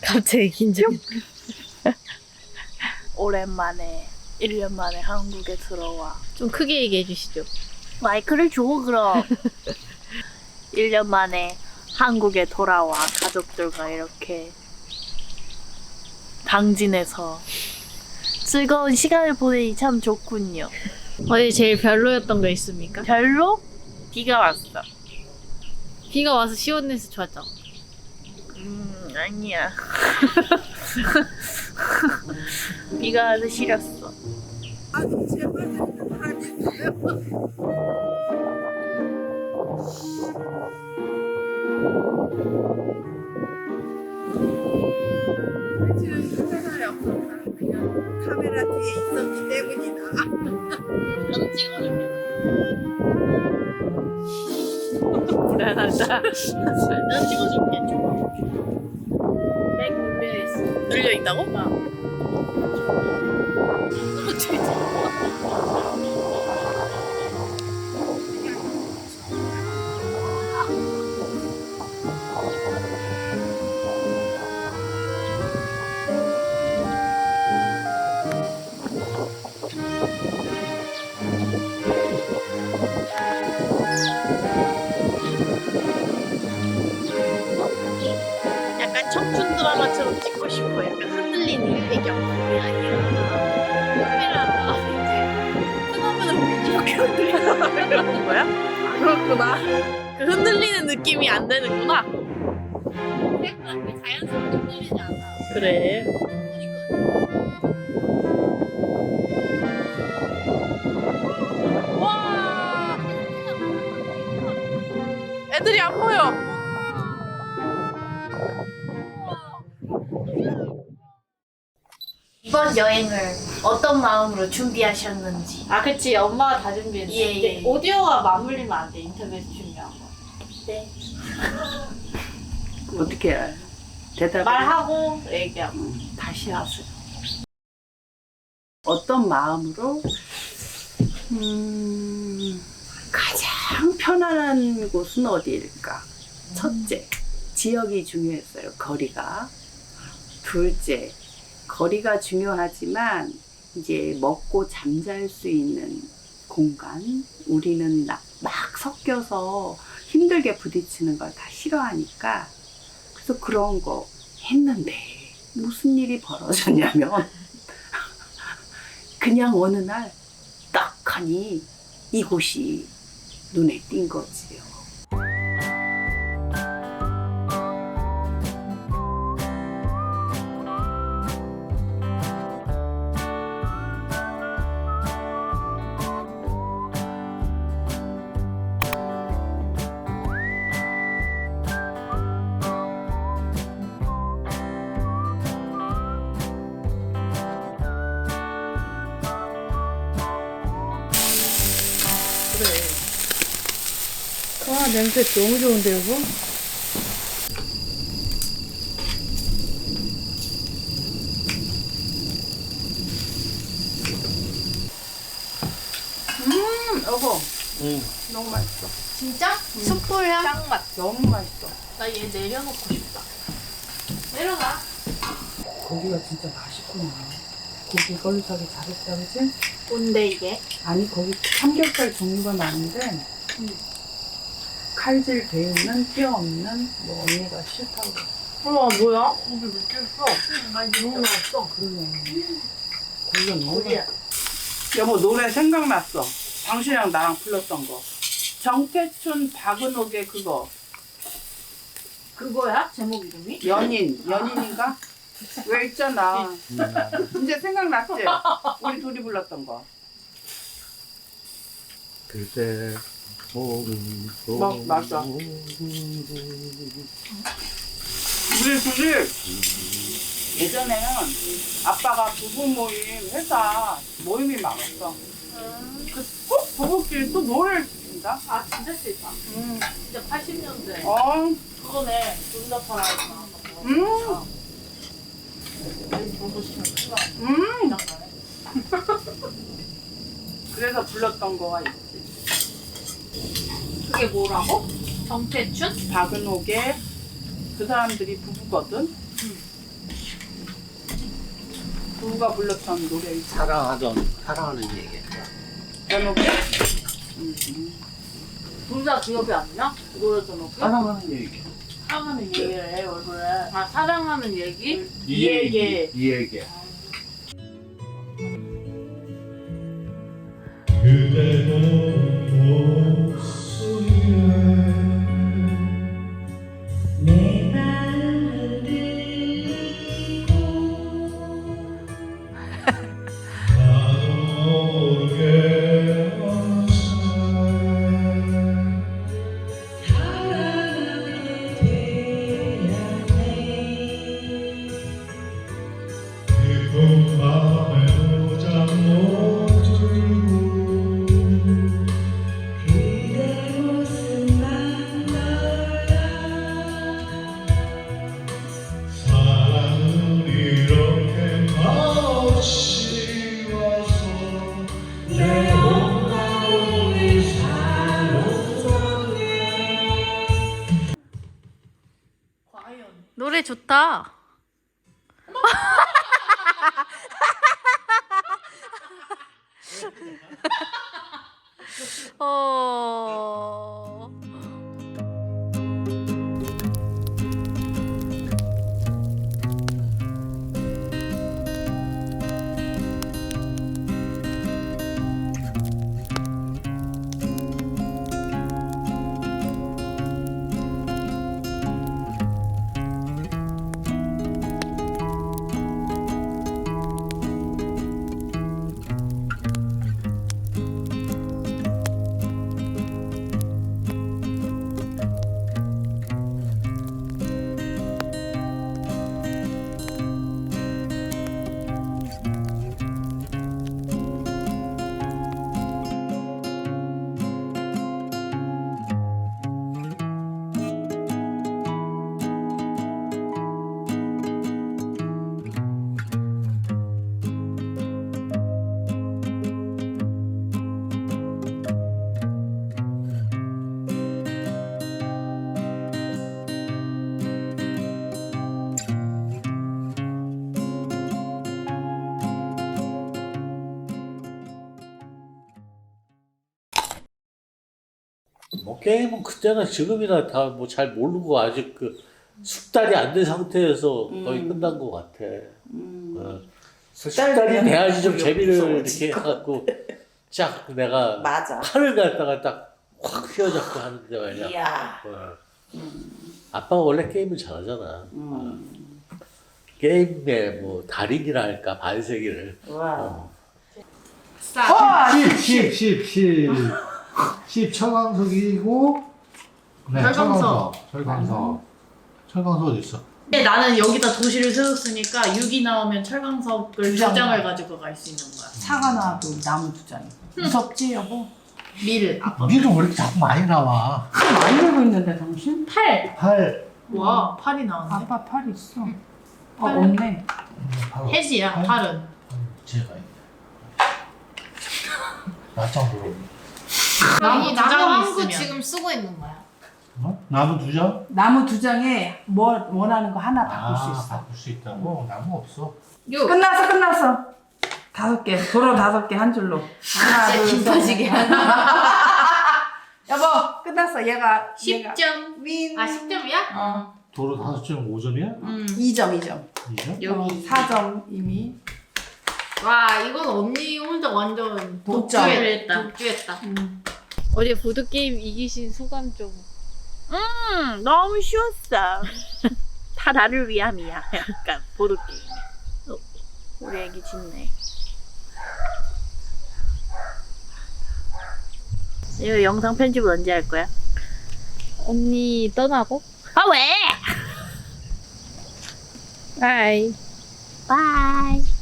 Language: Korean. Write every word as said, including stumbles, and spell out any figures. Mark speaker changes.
Speaker 1: 갑자기 긴장.
Speaker 2: 오랜만에 일 년 만에 한국에 들어와.
Speaker 1: 좀 크게 얘기해 주시죠.
Speaker 2: 마이크를 줘 그럼. 일 년 만에 한국에 돌아와 가족들과 이렇게 당진에서 즐거운 시간을 보내니 참 좋군요.
Speaker 1: 어디 제일 별로였던 거 있습니까?
Speaker 2: 별로? 비가 왔어.
Speaker 1: 비가 와서 시원해서 좋았죠.
Speaker 2: 음 아니야. 비가 와서 싫었어.
Speaker 3: 지금 카메라에 없었나? 그냥 카메라 뒤에 있었기 때문이다.
Speaker 2: 나도 찍어줄게. 불안하다. 난 찍어줄게. 맥 눌려있어. 눌려있다고? 어. 약간 청춘 드라마처럼 찍고 싶어. 약간 흔들리는 배경. 그게 아니라 카메라가 이제 끄덕끄덕 이렇게 흔들리는 이런 거야? 아, 그렇구나. 그 흔들리는 느낌이 안 되는구나. 자연스럽게 흔들리지 않아. 그래. 와! 애들이 안 보여. 이번 여행을 어떤 마음으로 준비하셨는지.
Speaker 1: 아 그치 엄마가 다 준비했어.
Speaker 2: 예, 예, 예.
Speaker 1: 오디오가 맞물리면 안 돼. 인터넷 준비한 거.
Speaker 2: 네.
Speaker 3: 어떻게 해? 대답을
Speaker 1: 말하고 얘기하고.
Speaker 3: 다시 하세요. 어떤 마음으로 음, 가장 편안한 곳은 어디일까? 첫째, 지역이 중요했어요. 거리가. 둘째, 거리가 중요하지만 이제 먹고 잠잘 수 있는 공간. 우리는 나- 막 섞여서 힘들게 부딪히는 걸 다 싫어하니까 그래서 그런 거 했는데 무슨 일이 벌어졌냐면 그냥 어느 날 딱하니 이곳이 눈에 띈 거지요.
Speaker 1: 와 냄새 너무 좋은데 여보?
Speaker 3: 음, 여보.
Speaker 4: 응.
Speaker 3: 너무 맛있어.
Speaker 2: 진짜? 숯불향? 짱맛.
Speaker 3: 너무 맛있어.
Speaker 2: 나 얘 내려놓고 싶다. 내려가.
Speaker 3: 고기가 진짜 맛있구나. 고기 걸로 사기 잘했다, 그치?
Speaker 2: 뭔데 이게?
Speaker 3: 아니, 거기 삼겹살 종류가 많은데, 칼질 돼 있는, 뼈 없는, 뭐, 언니가 싫다고 그래.
Speaker 2: 우와 뭐야? 고기 몇 개 있어?
Speaker 3: 너무 맛있어. 그러네. 고기가 너무 맛있어. 여보, 노래 생각났어. 당신이랑 나랑 불렀던 거. 정태춘, 박은옥의 그거.
Speaker 2: 그거야? 제목 이름이?
Speaker 3: 연인, 연인인가? 왜 있잖아. 이제 생각났지? 우리 둘이 불렀던 거.
Speaker 4: 그대 오른손
Speaker 3: 뭐, 맞아. 우리 둘이 예전에는 아빠가 부부 모임, 회사 모임이 많았어. 그 꼭 부부끼리 또 노래를 부른다?
Speaker 2: 아 진짜 싫다.
Speaker 3: 음.
Speaker 2: 진짜 팔십 년대.
Speaker 3: 어,
Speaker 2: 그거네. 눈다파라 했나?
Speaker 3: 음,
Speaker 2: 보고 싶으면 큰거
Speaker 3: 음.
Speaker 2: 장난해.
Speaker 3: 그래서 불렀던 거가 있지.
Speaker 2: 그게 뭐라고? 정태춘?
Speaker 3: 박은옥의 그 사람들이 부부거든. 누가 불렀던 노래 있어?
Speaker 4: 사랑하던 사랑하는 얘기.
Speaker 3: 제목이?
Speaker 1: 둘다 기억이 안 나? 노래 제목이?
Speaker 4: 사랑하는 얘기.
Speaker 1: 사랑하는 얘기를 해 얼굴에. 아 사랑하는 얘기?
Speaker 4: 이 얘기. 이 얘기.
Speaker 2: 노래 좋다. 어.
Speaker 4: 뭐 게임은 그때나 지금이나 다 뭐 잘 모르고 아직 그 숙달이 안 된 상태에서 거의
Speaker 3: 음.
Speaker 4: 끝난 것 같아.
Speaker 3: 음.
Speaker 4: 어.
Speaker 3: 숙달이
Speaker 4: 숙달이
Speaker 3: 되면
Speaker 4: 돼야지 좀
Speaker 3: 그게
Speaker 4: 재미를
Speaker 3: 무서워지고.
Speaker 4: 이렇게 해갖고 쫙 내가
Speaker 3: 맞아.
Speaker 4: 칼을 갖다가 딱 확 휘어잡고 하는데 말이야.
Speaker 3: 이야.
Speaker 4: 어. 아빠가 원래 게임을 잘하잖아.
Speaker 3: 음.
Speaker 4: 어. 게임의 뭐 달인이라 할까 반세기를.
Speaker 3: 와.
Speaker 4: 어.
Speaker 3: 와,
Speaker 5: 십, 십, 십, 십. 십 철광석이고, 네,
Speaker 2: 철광석.
Speaker 5: 철광석. 철광석. 철광석 어디 있어?
Speaker 2: 근데 나는 여기다 도시를 세웠으니까 육이 나오면 철광석을 두
Speaker 3: 장.
Speaker 2: 장을 가지고 갈 수 있는 거야.
Speaker 3: 사과 나도 나무 두 장이. 무섭지 여보?
Speaker 2: 밀 아빠.
Speaker 5: 밀은 왜 이렇게 자꾸 많이 나와?
Speaker 3: 많이 들고 있는데 당신?
Speaker 2: 팔.
Speaker 5: 팔.
Speaker 2: 와 팔이 나왔네.
Speaker 3: 아빠 팔 있어. 아
Speaker 2: 팔.
Speaker 3: 없네.
Speaker 5: 팔.
Speaker 2: 해지야
Speaker 5: 팔?
Speaker 2: 팔은.
Speaker 5: 제가 있네. 나짱 보러.
Speaker 2: 나무
Speaker 6: 이
Speaker 2: 두
Speaker 6: 나무
Speaker 2: 장이
Speaker 6: 한 구
Speaker 2: 있으면.
Speaker 6: 지금 쓰고 있는 거야.
Speaker 5: 어? 나무 두 장?
Speaker 3: 나무 두 장에 뭐 원하는 거 하나 바꿀 수
Speaker 5: 아,
Speaker 3: 있어.
Speaker 5: 바꿀 수 있다고? 나무 없어.
Speaker 6: 육.
Speaker 3: 끝났어 끝났어. 다섯 개 도로 다섯 개 한 줄로. 하나
Speaker 6: 진짜
Speaker 3: 둘
Speaker 6: 김
Speaker 3: 셋.
Speaker 6: 빠지게.
Speaker 3: 여보 끝났어 얘가
Speaker 6: 십
Speaker 3: 얘가
Speaker 6: 점.
Speaker 3: 윈.
Speaker 6: 아 십 점이야?
Speaker 3: 어.
Speaker 5: 도로 다섯 점 오 점이야?
Speaker 6: 음.
Speaker 3: 이 점 이 점.
Speaker 5: 이 점?
Speaker 6: 여기.
Speaker 3: 사 점 이미.
Speaker 6: 와 이건 언니 혼자 완전
Speaker 3: 독점.
Speaker 6: 독주를 했다. 독주했다.
Speaker 2: 어제 보드게임 이기신 소감 좀. 음, 너무 쉬웠어. 다 나를 위함이야. 약간, 보드게임. 어, 우리 애기 짖네. 이거 영상 편집을 언제 할 거야? 언니 떠나고? 아, 왜? 바이. 바이.